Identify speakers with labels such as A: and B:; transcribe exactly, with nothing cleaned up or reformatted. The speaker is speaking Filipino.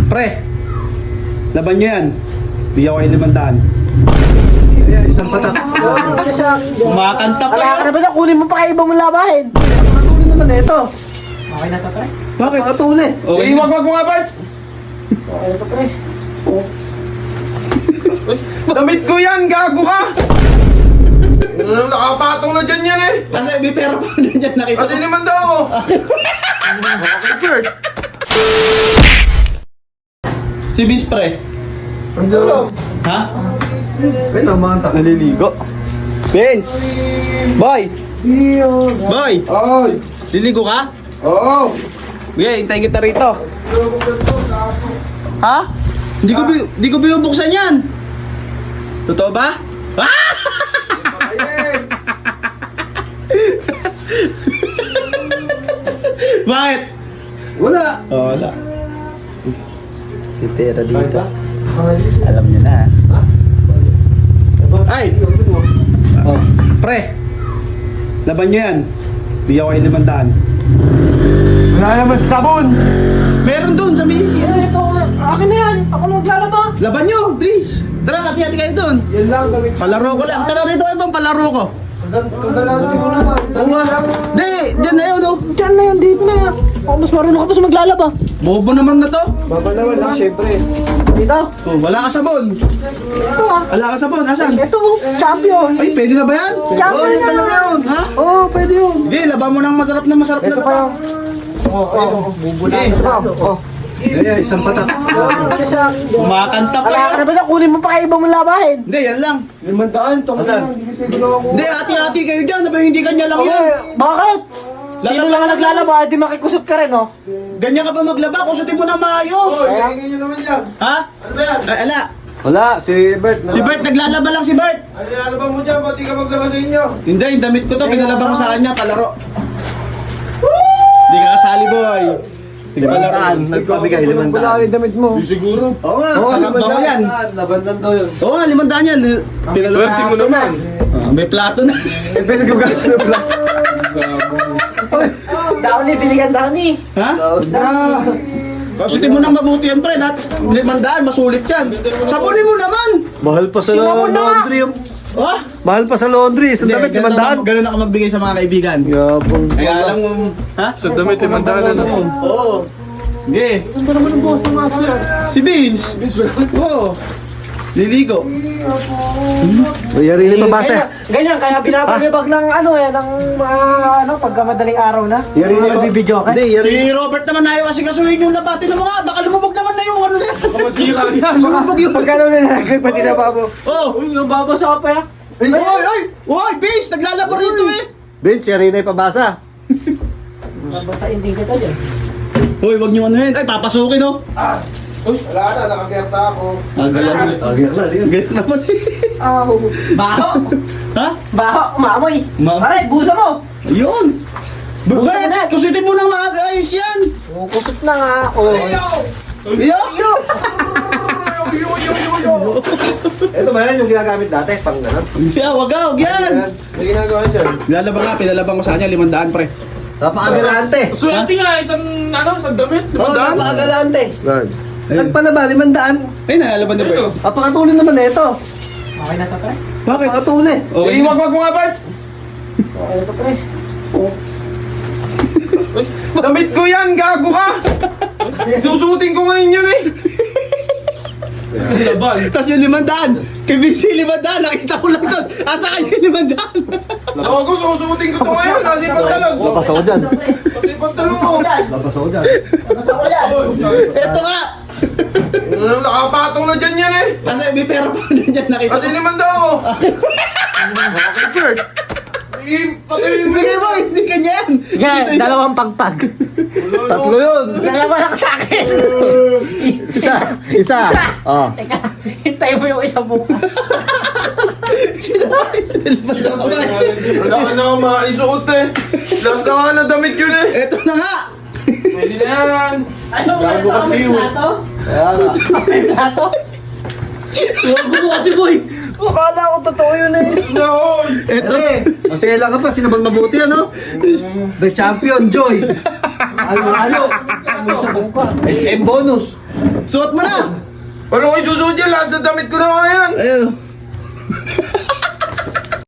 A: Pre, laban nyo yan. Bigyan ko kayo limandaan.
B: Ayan, isang patak.
A: Kumakanta pa
C: Wala ka
A: yan.
C: na ba na? Kunin mo pa kayo ibang mong labahin.
B: Pakatuli naman na ito.
C: Okay na to, pre.
A: Bakit?
B: Pakatuli.
A: Okay.
D: Eh, wag wag mo nga, Bart!
C: Okay na to, pre.
D: Damit ko yan, gago ka! Ano, nakapatong na dyan yan eh!
A: Kasi may pera pa na dyan nakita
D: Kasi
A: ko.
D: naman daw! Okay, Bert!
A: Si Vince, pre.
B: Ano?
A: Ha?
B: Ay, namanta.
A: Naliligo. Vince! Boy! Boy!
B: Ay!
A: Liligo ka?
B: Oo!
A: Okay, hintayin kita rito. Ha? Hindi ko, bi- hindi ko binubuksan yan. Totoo ba? Ah! Bakit?
B: Wala!
A: Oh, wala. May pera dito. Alam niyo na. Ay! Oh, pre! Laban niyo yan. Bigyan ko kayo limandaan.
D: Wala naman sabon!
A: Meron doon sa Macy.
C: Eh, ito, akin na yan. Ako na maglalaba.
A: Laban niyo, please. Tara, hati-hati kayo doon.
B: Yan lang, damit.
A: Palaro ko lang. Tara rito, ibang palaro ko.
B: Kagalanti mo naman.
A: Uwa. Di, dyan na yun, oh.
C: Diyan na yan, dito na yan. Ako mas marunong ka pa sa maglalaba.
A: Bobo naman na to.
B: Babalawan lang, syempre.
C: Dito.
A: Oh, wala ka sabon.
C: Ito ah.
A: Wala ka sabon, asan?
C: Ito, oh, champion.
A: Ay, pwede na ba yan?
C: Champion
B: yan
C: na
B: talaga
C: yan.
B: yun.
A: Ha?
B: Oo, oh, pwede yun.
A: Hindi, laban mo ng masarap na masarap na
B: Ito pa
A: laba.
B: yung... Oo, oo.
A: Hindi.
B: Oo. Ayan, isang patak.
A: Kumakanta pa
C: Wala ka
A: yan.
C: na ba na? Kunin mo pa kayo ibang mong labahin.
A: Hindi, yan lang.
B: Limandaan, tong Asan? hindi kasi ginawa ko.
A: Hindi, hati-hati kayo dyan. Sabi, hindi kanya lang yan.
C: Eh, bakit? Sino
A: Lalaba
C: lang ang
A: lang
C: naglalaba? Di makikusot ka rin, oh.
A: Ganyan ka pa maglaba. Kusutin mo na maayos.
D: Hingin nyo naman yan!
A: Ha?
D: Ano ba yan?
A: Ay, ala.
B: Wala, si Bert.
A: Si Bert, naglalaba lang si Bert.
D: Ano nilalaban mo dyan? Ba't di ka maglabas sa inyo?
A: Hindi, yung damit ko to. Pinalaba ko sa kanya. Palaro. Hindi ka kasali, boy. Palaro.
B: Nagpabigay, limandaan. Wala rin damit mo.
D: Siguro.
A: Oo nga,
B: Oo,
A: sarap daw yan.
B: Laban lang daw yun.
A: Oo nga, limandaan yan. Pinalaba.
D: Swerte mo naman!
A: Ah, may plato na.
B: Eh, pinagugasa na pala.
C: Downy, biligan Downy.
A: Ha?
B: Na.
A: Kasutin mo nang mabuti yan, pre. At limandaan, masulit yan. Sabunin mo naman.
B: Mahal pa sa
C: Sino mo na?
B: laundry yung...
A: Oh?
B: Mahal pa sa laundry. Sa damit,
A: ganun
B: limandaan.
A: ako- Ganun ako magbigay sa mga kaibigan.
B: Yabang.
A: Kaya alam mo, ha?
D: Sa damit, limandaan na naman.
A: Oo. Sige.
C: Ganda naman ang boss ng master.
A: Si Vince. Oo. Liligo.
B: Yari ni pabasa.
C: Ganyan, ganyan, kaya binabalibag ng ano eh, ng mga ano, pagka madaling araw na.
B: Yari ni
C: Mga bibidyo ka.
B: Hindi, yari.
A: Si Robert naman ayaw kasi kasuhin yung labatin ng mga. Baka lumubog naman na yung ano na.
D: Masira yan!
A: Lumubog yung...
B: Pagkano na nalagay pati na babo.
A: Oh.
C: Uy, nababasa ka pa ya.
B: Ay,
A: Oy, oy! Oy, Vince! Naglalaba rito eh!
B: Vince, yari na pabasa.
C: Nabasain din kita dyan.
A: Hoy, wag niyo ano yun. Ay, papasukin oh.
D: Uy, wala na, nakakiyata ako.
A: Ang galang.
B: Agad na, di
A: Ganyan naman eh.
C: Baho!
A: Ha?
C: Baho! Umamoy!
A: Ma-
C: Aray, busa mo!
A: Ayun!
C: Buka
A: Bakit?
C: na.
A: Kusitin mo nang maayos yan!
C: Kusot na nga ako.
A: Iyo!
B: Ito ba yan yung ginagamit dati? Pang ganun.
A: Yeah, wag ah, wag yan!
B: May ginagawa dyan.
A: Nilalaba nga, pinalabang ko sa kanya, limandaan pre.
B: Napakagalante.
D: Swerte nga, isang, ano, isang damit,
B: Oo, oh,
D: limandaan.
B: napakagalante.
A: Ayun.
B: Nagpalaba, limandaan.
A: Ay, nalalaban niya bro.
B: Napakatuli naman na ito.
C: Okay na to, pre.
A: Bakit?
B: Napakatuli.
A: Okay.
D: Eh, wag wag mo nga, Bart!
C: Okay na to, pre.
D: Uy, damit ko yan, gago ka! Susutin ko ngayon yun eh! Laban!
A: Tapos yung limandaan, kay Vince yung limandaan, nakita ko lang doon. Asa kayo yung limandaan?
D: Ako ko, susutin ko to ngayon, nasa pantalon!
B: Labas ako dyan.
D: Nasa pantalon mo!
B: Labas ako dyan.
C: Nabasa ko yan.
A: Eto nga!
D: Ano, nakapatong na dyan yan eh!
A: Kasi may pera pa na dyan, nakita
D: Kasi
A: ko.
D: limanda ako! Okay, Bert! Eh, pati yung
A: Bigay mo, hindi kanya yan.
C: Sige, dalawang pagpag.
B: Tatlo yun.
C: Dalawa lang sa akin.
B: Isa. Isa. Oh.
C: Teka, hintayin mo yung isang buka.
D: Wala ka na akong maisuot eh! Last na nga na damit yun eh!
A: Eto na nga!
D: Pwede na yan!
C: Ano,
D: Gago
C: meron
D: kasi
C: may
D: yun.
C: plato?
B: Kaya nga.
C: May plato? Huwag mo kasi, boy. Akala ko totoo yun eh.
D: No!
B: Ito eh. Masaya lang ka pa. Sino bang mabuti ano? The champion, Joy. Ano, ano? S M bonus.
A: Suot mo na!
D: Paano ko isusuot yan? Lahat na damit ko na nga yan.
A: Ayun.